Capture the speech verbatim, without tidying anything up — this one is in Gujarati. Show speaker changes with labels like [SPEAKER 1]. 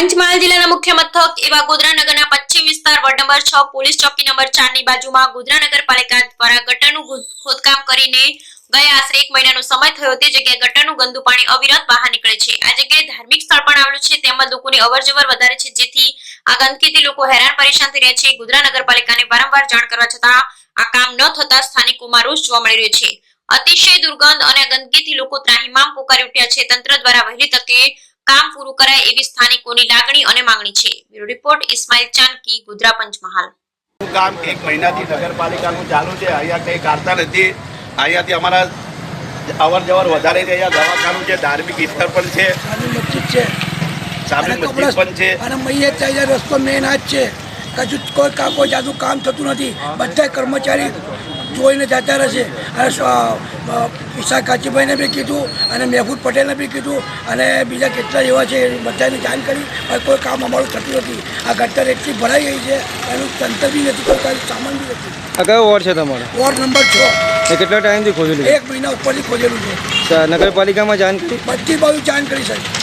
[SPEAKER 1] પંચમહાલ જિલ્લાના મુખ્ય મથક એવા ગોધરા નગરના પશ્ચિમ વિસ્તાર વોર્ડ નંબર છ પોલીસ ચોકી નંબર ચાર ની બાજુમાં ગોધરા નગરપાલિકા દ્વારા ગટરનું ખોદકામ કરીને ગયા આશરે એક મહિનાનો સમય થયો તે જગ્યાએ ગટરનું ગંદુ પાણી અવિરત બહાર નીકળે છે। આ જગ્યાએ ધાર્મિક સ્થળ પણ આવેલું છે તેમજ લોકોની અવરજવર વધારે છે જેથી આ ગંદકીથી લોકો હેરાન પરેશાન થઈ રહ્યા છે। ગોધરા નગરપાલિકાને વારંવાર જાણ કરવા છતાં આ કામ ન થતા સ્થાનિકોમાં રોષ જોવા મળી રહ્યો છે। અતિશય દુર્ગંધ અને ગંદકીથી લોકો ત્રાહિમામ પોકારી ઉઠ્યા છે। તંત્ર દ્વારા વહેલી તકે કામ પૂરું કરાય એવી સ્થાનિકોની લાગણી અને માંગણી છે। Bureau report Ismail Chandki, Godhra Panchmahal.
[SPEAKER 2] કામ એક મહિનાથી નગરપાલિકાનું ચાલુ છે, અહીંયા કંઈ કાઢતા નથી। અહીંયાથી અમારા અવર જવર વધારે છે। અહીંયા દવાખાનું છે, ધાર્મિક સ્થળ પણ છે,
[SPEAKER 3] મસ્જિદ છે,
[SPEAKER 2] સામે મસ્જિદ પણ છે
[SPEAKER 3] અને મૈયત થાય રસ્તો મેન આ જ છે। કશું કોઈ કા કોઈ જાદુ કામ થતું નથી। બધા કર્મચારી જોઈને જતા રહેશે। અને ઈશા કાચીભાઈને બી કીધું અને મહેબૂબ પટેલને બી કીધું અને બીજા કેટલા એવા છે બધાને જાણ કરી, પણ કોઈ કામ અમારું થતું નથી। આ ગટર એટલી ભરાઈ ગઈ છે, એનું તંત્ર બી નથી, કોઈ કાંઈ સામાન બી નથી।
[SPEAKER 4] આ કયો વોર્ડ છે તમારો?
[SPEAKER 3] વોર્ડ નંબર છ।
[SPEAKER 4] એ કેટલા ટાઈમથી ખોજેલું?
[SPEAKER 3] એક મહિના ઉપરથી ખોજેલું છે।
[SPEAKER 4] નગરપાલિકામાં જાણ કરી?
[SPEAKER 3] બધી બાજુ જાણ કરી સાહેબ।